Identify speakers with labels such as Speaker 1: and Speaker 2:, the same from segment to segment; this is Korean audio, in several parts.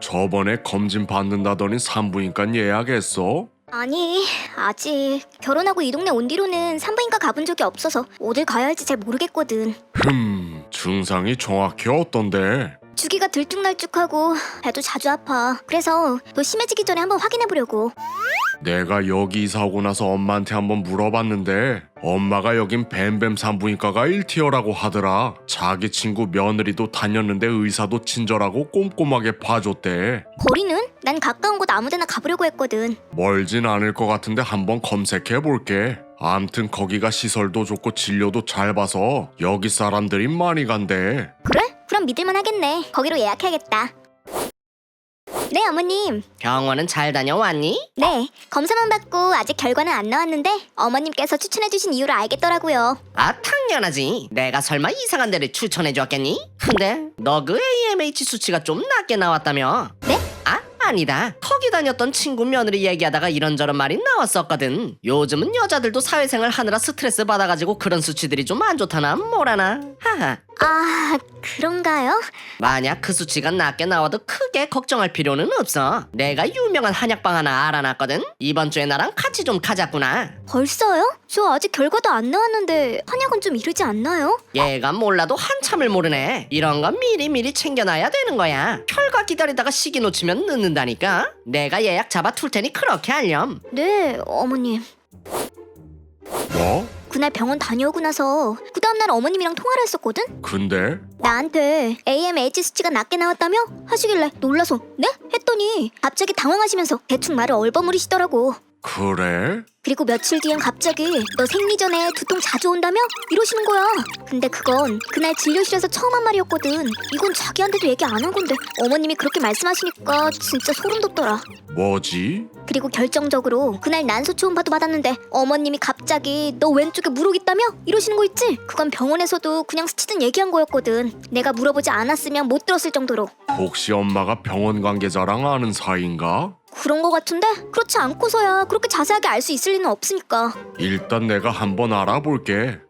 Speaker 1: 저번에 검진 받는다더니 산부인과 예약했어?
Speaker 2: 아니, 아직 결혼하고 이 동네 온 뒤로는 산부인과 가본 적이 없어서 어딜 가야 할지 잘 모르겠거든.
Speaker 1: 증상이 정확히 어떤데?
Speaker 2: 주기가 들쭉날쭉하고 배도 자주 아파. 그래서 더 심해지기 전에 한번 확인해보려고.
Speaker 1: 내가 여기 이사 오고 나서 엄마한테 한번 물어봤는데 엄마가 여긴 뱀뱀 산부인과가 1티어라고 하더라. 자기 친구 며느리도 다녔는데 의사도 친절하고 꼼꼼하게 봐줬대.
Speaker 2: 거리는? 난 가까운 곳 아무데나 가보려고 했거든.
Speaker 1: 멀진 않을 것 같은데 한번 검색해볼게. 암튼 거기가 시설도 좋고 진료도 잘 봐서 여기 사람들이 많이 간대.
Speaker 2: 그래? 그럼 믿을만 하겠네. 거기로 예약해야겠다. 네, 어머님.
Speaker 3: 병원은 잘 다녀왔니?
Speaker 2: 네, 검사만 받고 아직 결과는 안 나왔는데 어머님께서 추천해주신 이유를 알겠더라고요.
Speaker 3: 아, 당연하지. 내가 설마 이상한 데를 추천해줬겠니? 근데 너 그 AMH 수치가 좀 낮게 나왔다며?
Speaker 2: 네?
Speaker 3: 아니다. 거기 다녔던 친구 며느리 얘기하다가 이런저런 말이 나왔었거든. 요즘은 여자들도 사회생활 하느라 스트레스 받아가지고 그런 수치들이 좀 안 좋다나 뭐라나. 하하.
Speaker 2: 아, 그런가요?
Speaker 3: 만약 그 수치가 낮게 나와도 크게 걱정할 필요는 없어. 내가 유명한 한약방 하나 알아놨거든. 이번 주에 나랑 같이 좀 가자꾸나.
Speaker 2: 벌써요? 저 아직 결과도 안 나왔는데 한약은 좀 이르지 않나요?
Speaker 3: 얘가 몰라도 한참을 모르네. 이런 건 미리미리 챙겨놔야 되는 거야. 결과 기다리다가 시기 놓치면 늦는다니까. 내가 예약 잡아 둘 테니 그렇게 알렴.
Speaker 2: 네, 어머님.
Speaker 1: 뭐?
Speaker 2: 그날 병원 다녀오고 나서 그 다음날 어머님이랑 통화를 했었거든?
Speaker 1: 근데?
Speaker 2: 나한테 AMH 수치가 낮게 나왔다며? 하시길래 놀라서 네? 했더니 갑자기 당황하시면서 대충 말을 얼버무리시더라고.
Speaker 1: 그래?
Speaker 2: 그리고 며칠 뒤엔 갑자기 너 생리 전에 두통 자주 온다며? 이러시는 거야. 근데 그건 그날 진료실에서 처음 한 말이었거든. 이건 자기한테도 얘기 안 한 건데 어머님이 그렇게 말씀하시니까 진짜 소름 돋더라.
Speaker 1: 뭐지?
Speaker 2: 그리고 결정적으로 그날 난소 초음파도 받았는데 어머님이 갑자기 너 왼쪽에 물혹 있다며? 이러시는 거 있지? 그건 병원에서도 그냥 스치듯 얘기한 거였거든. 내가 물어보지 않았으면 못 들었을 정도로.
Speaker 1: 혹시 엄마가 병원 관계자랑 아는 사이인가?
Speaker 2: 그런 거 같은데? 그렇지 않고서야 그렇게 자세하게 알 수 있을 리는 없으니까.
Speaker 1: 일단 내가 한번 알아볼게.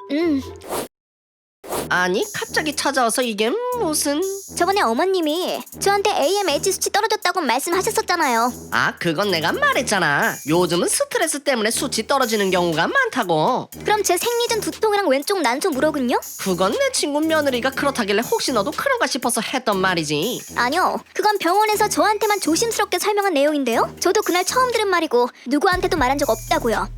Speaker 3: 아니 갑자기 찾아와서 이게 무슨...
Speaker 2: 저번에 어머님이 저한테 AMH 수치 떨어졌다고 말씀하셨었잖아요.
Speaker 3: 아 그건 내가 말했잖아. 요즘은 스트레스 때문에 수치 떨어지는 경우가 많다고.
Speaker 2: 그럼 제 생리 전 두통이랑 왼쪽 난소 물혹은요?
Speaker 3: 그건 내 친구 며느리가 그렇다길래 혹시 너도 그런가 싶어서 했던 말이지.
Speaker 2: 아니요, 그건 병원에서 저한테만 조심스럽게 설명한 내용인데요. 저도 그날 처음 들은 말이고 누구한테도 말한 적 없다고요.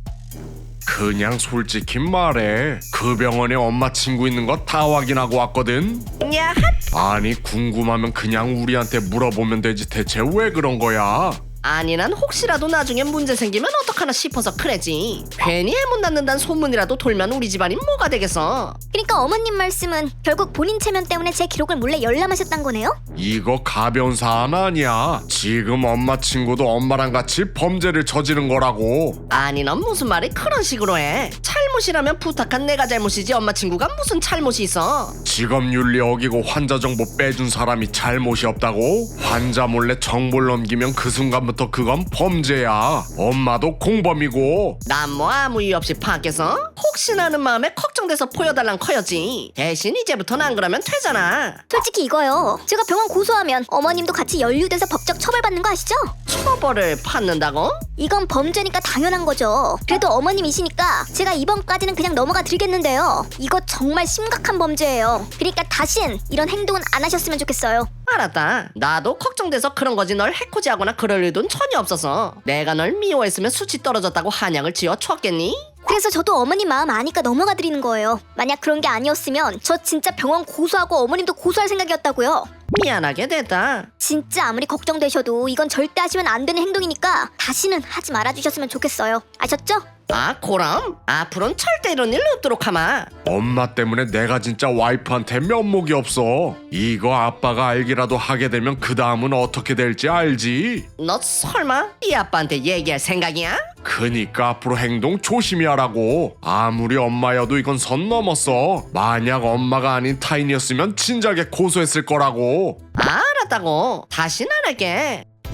Speaker 1: 그냥 솔직히 말해. 그 병원에 엄마 친구 있는 거 다 확인하고 왔거든.
Speaker 3: 야,
Speaker 1: 아니 궁금하면 그냥 우리한테 물어보면 되지 대체 왜 그런 거야?
Speaker 3: 아니 난 혹시라도 나중에 문제 생기면 어떡하나 싶어서 그래지. 괜히 해못 낳는다는 소문이라도 돌면 우리 집안이 뭐가 되겠어.
Speaker 2: 그러니까 어머님 말씀은 결국 본인 체면 때문에 제 기록을 몰래 열람하셨단 거네요?
Speaker 1: 이거 가벼운 사안 아니야. 지금 엄마 친구도 엄마랑 같이 범죄를 저지른 거라고.
Speaker 3: 아니 넌 무슨 말이 그런 식으로 해. 잘못이라면 부탁한 내가 잘못이지 엄마 친구가 무슨 잘못이 있어.
Speaker 1: 직업윤리 어기고 환자 정보 빼준 사람이 잘못이 없다고? 환자 몰래 정보를 넘기면 그 순간부터 그건 범죄야. 엄마도 공범이고.
Speaker 3: 난 뭐 아무 이유 없이 밖에서 혹시나 하는 마음에 걱정돼서 보여달란 커였지. 대신 이제부터는 안 그러면 되잖아.
Speaker 2: 솔직히 이거요. 제가 병원 고소하면 어머님도 같이 연루돼서 법적 처벌받는 거 아시죠?
Speaker 3: 처벌을 받는다고?
Speaker 2: 이건 범죄니까 당연한 거죠. 그래도 어머님이시니까 제가 이번까지는 그냥 넘어가 드리겠는데요. 이거 정말 심각한 범죄예요. 그러니까 다신 이런 행동은 안 하셨으면 좋겠어요.
Speaker 3: 알았다. 나도 걱정돼서 그런 거지. 널 해코지하거나 그럴 일은 전혀 없어서. 내가 널 미워했으면 수치 떨어졌다고 한약을 지어 줬겠니?
Speaker 2: 그래서 저도 어머님 마음 아니까 넘어가 드리는 거예요. 만약 그런 게 아니었으면 저 진짜 병원 고소하고 어머님도 고소할 생각이었다고요.
Speaker 3: 미안하게 됐다.
Speaker 2: 진짜 아무리 걱정되셔도 이건 절대 하시면 안 되는 행동이니까 다시는 하지 말아주셨으면 좋겠어요. 아셨죠?
Speaker 3: 아 그럼? 앞으로는 절대 이런 일 없도록 하마.
Speaker 1: 엄마 때문에 내가 진짜 와이프한테 면목이 없어. 이거 아빠가 알기라도 하게 되면 그 다음은 어떻게 될지 알지?
Speaker 3: 너 설마 이 아빠한테 얘기할 생각이야?
Speaker 1: 그니까 앞으로 행동 조심히 하라고. 아무리 엄마여도 이건 선 넘었어. 만약 엄마가 아닌 타인이었으면 진작에 고소했을 거라고.
Speaker 3: 알았다고. 다신 안 할게.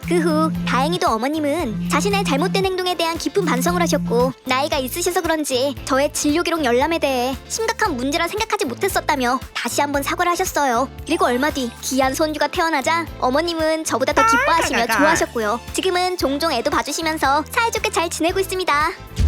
Speaker 2: 그 후 다행히도 어머님은 자신의 잘못된 행동에 대한 깊은 반성을 하셨고 나이가 있으셔서 그런지 저의 진료 기록 열람에 대해 심각한 문제라 생각하지 못했었다며 다시 한번 사과를 하셨어요. 그리고 얼마 뒤 귀한 손주가 태어나자 어머님은 저보다 더 기뻐하시며 좋아하셨고요. 지금은 종종 애도 봐주시면서 사이좋게 잘 지내고 있습니다.